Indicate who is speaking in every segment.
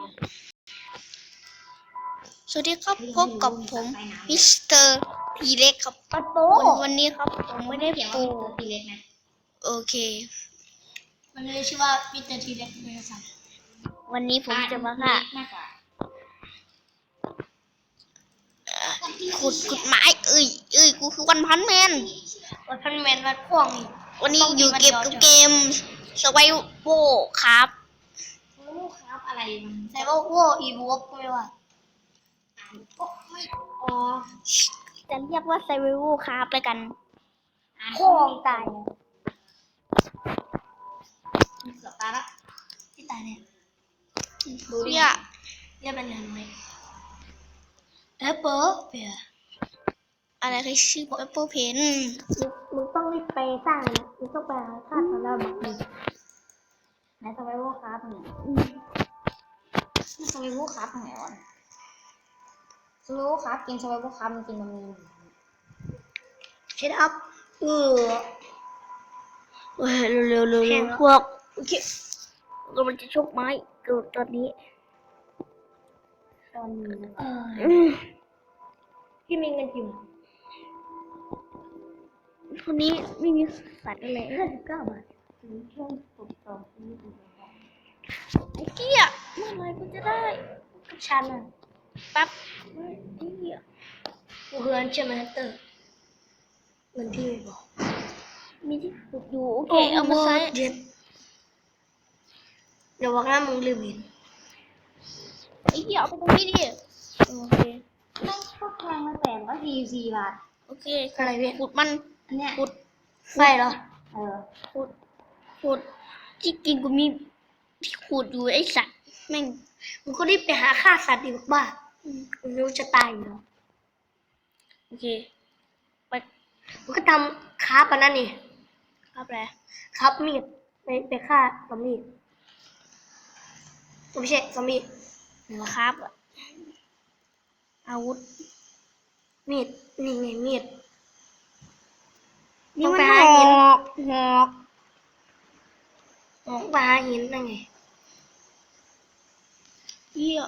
Speaker 1: สวัสดีครับพบกับผมมิสเตอร์ทีเล็กครับ
Speaker 2: ปัดโป
Speaker 1: วันนี้ครับผมไม่ได้ปู
Speaker 2: ทีเล็กนะ
Speaker 1: โอเค
Speaker 2: มันเลยชื่อว่ามิสเตอร์ทีเล็กเลยครับ
Speaker 1: วันนี้ผมจะมาค่ะขุดไม้กูคือวันพันแมน
Speaker 2: วัดพ่วง
Speaker 1: วันนี้อยู่เก็บกับเกมสไวโวครับ
Speaker 2: ครับอะไรมันไซโวโวอีวูฟก็ไม่ว่าอ๋อ
Speaker 1: จะเรียกว่าไซไวโวครับแล้วกัน
Speaker 2: พ่วงตายเกือบตายละที่ตายเนี่ย
Speaker 1: ดูเนี่ย
Speaker 2: เรียกเป็นยังไงแอปเปิลเปีย
Speaker 1: อะไรคือชื่อแอปเปิลเพน
Speaker 2: มึงต้องรีบไปสร้างนะมึงต้องไปฆ่าตัวเราบักดีไหนสไวโวครับเนี่ยสไวโวครับไหนวะสไวโวครับกินสไวโวครับมันกินมันมีเช็ดอัพเ
Speaker 1: เร็วพวกโอเคเรามันจะชกไม้เกิดตอนนี้
Speaker 2: พี่มีเงินกี่บาท
Speaker 1: คนนี้ไม่มีสัตว์อะไร
Speaker 2: 59 บาทช่วงปกต่อที่ดู
Speaker 1: ไอ้เกี้ยเมื่อไรกูจะได้
Speaker 2: กับฉันอ่ะ
Speaker 1: ปั๊บไอ้เกี้ย
Speaker 2: กูเฮือนใช่ไหมเตอร์เงินที่ไม่บอก
Speaker 1: มีที่ปลูกอยู่โอเคเอามาใช้
Speaker 2: เดี๋ยวบอกนะมึงลืมเห็น
Speaker 1: ไอ้เกี้ยเอาไปตรงนี้ดิโอเค
Speaker 2: ไม่ชอบแพงมาแต่ก็44 บาท
Speaker 1: โอเคอะไรพี่ขุดมัน
Speaker 2: อันเนี้ย
Speaker 1: ขุด
Speaker 2: ไฟเหรอ
Speaker 1: ขุดที่กินกูมีที่ขุดอยู่ไอ้สัตว์แม่ง
Speaker 2: มึงก็รีบไปหาฆ่าสัตว์ดีกว่ามึงรู้จะตายอยู่แล้ว
Speaker 1: โอเคไป
Speaker 2: มึงก็ทำคาปะนั่นนี่
Speaker 1: ครับแหละ
Speaker 2: ครับมีดไปฆ่าซอมบี้ไม่ใช่ซอมบี้
Speaker 1: ครับอาวุธ
Speaker 2: มีดนี่ไงมีด
Speaker 1: นี่มันหอก
Speaker 2: ปลาหินนั่นไง
Speaker 1: เหี้ย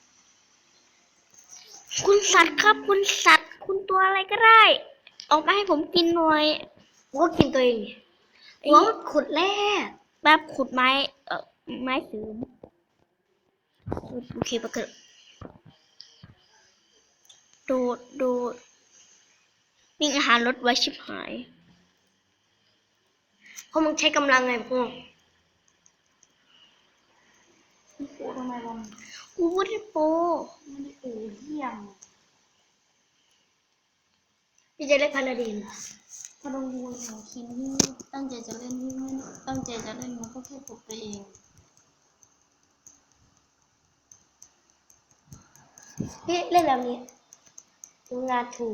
Speaker 1: คุณสัตว์ครับคุณสัตว์คุณตัวอะไรก็ได้ออกมาให้ผมกินหน่อย
Speaker 2: กูก็กินตัวเองกูก็ขุดแร่
Speaker 1: แบบขุดไม้ไม้เสริมโอเคปะเกิดโดดนี่อาหารลดไว้ชิบหาย
Speaker 2: เพราะมึงใช้กำลังไงพวก
Speaker 1: กูทำไมวะกูไม่ได้โป
Speaker 2: ไม่ได้โปเยี่ยมพี่จะเล่นพาราดิน
Speaker 1: พอลงดูของคิมที่ตั้งใจจะเล่นไม่ตั้งใจจะเล่นมันก็แค่ปลุกตัวเอง
Speaker 2: พี่เล่นแบบนี้งานถูก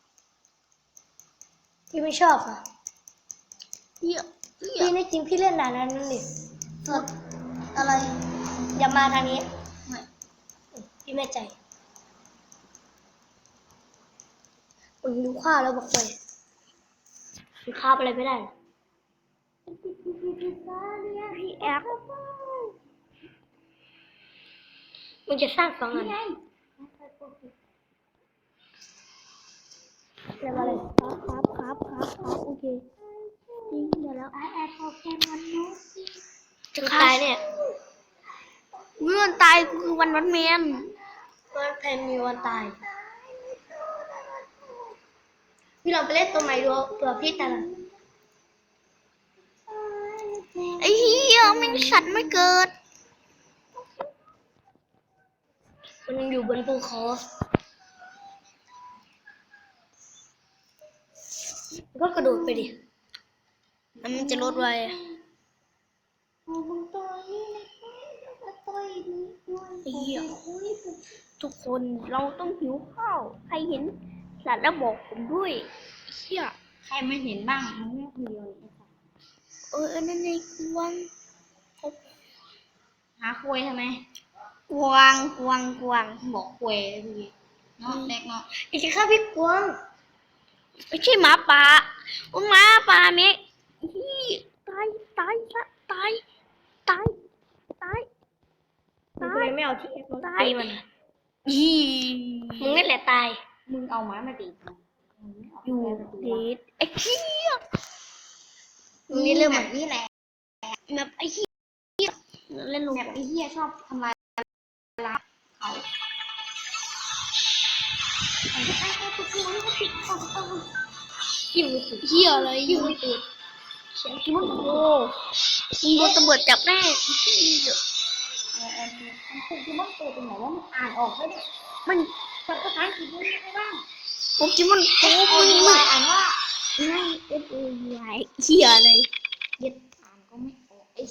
Speaker 2: พี่ไม่ชอบอ่ะพี่นี่จริงพี่เล่นนานนั้นนี่
Speaker 1: สดอะไร
Speaker 2: อย่ามาทางนี้พี่ไม่ใจมึงดูข้าวแล้วบอกไปมึงข้าวอะไรไม่ได้
Speaker 1: พี่แอป
Speaker 2: มึงจะสร้าง2 อัน
Speaker 1: เรียกว่าอะไรครับโอเคจริงเดี๋ยวแล้ว
Speaker 2: แอปโปเกมอนนู้จะตายเนี่ย
Speaker 1: เมื่อตายคือวันแมน
Speaker 2: วันแพนมีวันตายพี่เราไปเล่นตัวใหม่ดูเผื่อพี่แต่ละ
Speaker 1: ไอ้เหี้ยมันสัตว์ไม่เกิด
Speaker 2: มันอยู่บนภูเขาก็กระโดดไปดิ
Speaker 1: แล้วมันจะลดไว้ไอ้เหี้ยทุกคนเราต้องหิวข้าวใครเห็นสัตว์แล้วบอกผมด้วยเหี้ย
Speaker 2: ใครไม่เห็นบ้างมันไม่คุยเลย
Speaker 1: นั่นไงกวาง
Speaker 2: หาคุยทำไม
Speaker 1: กวาง
Speaker 2: บอกคุยเลยเนาะเล็กเนาะอีกข้าพี่กวาง
Speaker 1: ไม่ใช่หมาป่าหมาป่าเมฆตาย
Speaker 2: ไม่ไม่เอาที่มึง
Speaker 1: ตาย
Speaker 2: ตีมัน
Speaker 1: อี
Speaker 2: มึงนี่แหละตาย มึงเอาไม้มาตีมันมึงไม่เา
Speaker 1: อยู่
Speaker 2: แก้ประตู
Speaker 1: เด
Speaker 2: วะ
Speaker 1: ทไอ้เหี้ย
Speaker 2: มึงนี่เริ่มแบบนี้แหละ
Speaker 1: แบบไอ้เหี้ยเล่นลง
Speaker 2: แบบไอ้เหี้ยชอบทำลายล้างเขากินมือถือ
Speaker 1: เหี้ยอะไร
Speaker 2: กินมือถือ
Speaker 1: เสียงกินมันโอ้มึงโดนตำรวจจับแน่ไอ้เหี้ย
Speaker 2: มันคือที่มันตัวตรงไหนว่ามันอ่านออกไหมเนี่ย
Speaker 1: มัน
Speaker 2: ภาษาอังกฤษมันไม่ได้บ้าง
Speaker 1: โปเกมอนโอ้
Speaker 2: โอ้
Speaker 1: มึ
Speaker 2: ย
Speaker 1: งมึง
Speaker 2: อ่านว่า
Speaker 1: ไม่ FOY เหี้ยอะไร
Speaker 2: เย็ดอ่านก็ไม่ออกไอ้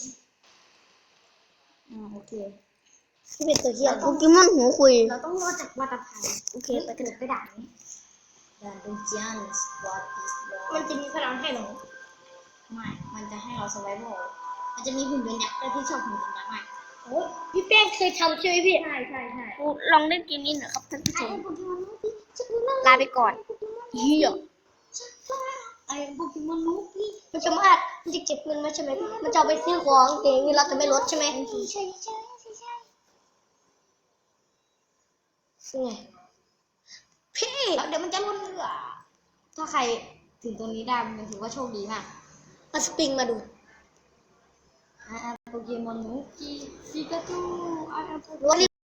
Speaker 2: โอเค
Speaker 1: ที่เป็นตัวเหี้ยโปเกมอนหัวคุย
Speaker 2: เราต้องรอจากวัตภัย
Speaker 1: โอเค
Speaker 2: ไป
Speaker 1: ไป
Speaker 2: เกิดไปด่านนี้ด่านดูจานส์วอตติสมันจะมีพลังให้หนูไม่ มันจะให้เราสไวโวมันจะมีหุ่นยนต์ยักษ์ด้วยที่ชอบหุ่นยนต์ยักษ์มากโอ้พี่แป้งเคยทำใช่ไหมพี่ใช่ใช่ใช่
Speaker 1: ลองเล่นเกมนี้หน่อยครับท่านผู้ช
Speaker 2: ไอ้
Speaker 1: ม
Speaker 2: โปเกมอนนูพี่จะดูน่า
Speaker 1: ลาไปก่อนเหี้ย
Speaker 2: ไอ้โปเกมอนนูพี่มันจะมามันจะเก็บเงินมาใช่ไหมมันจะเอาไปซื้อของเองเงินเราจะไม่ลดใช่ไหมใช่ใช่ใช่ใช่ไงพี่เดี๋ยวมันจะลดเหลือถ้าใครถึงตรงนี้ได้มันถือว่าโชคดีมากมาสปริงมาดูโปเกมอนนูพี่ปิกาจู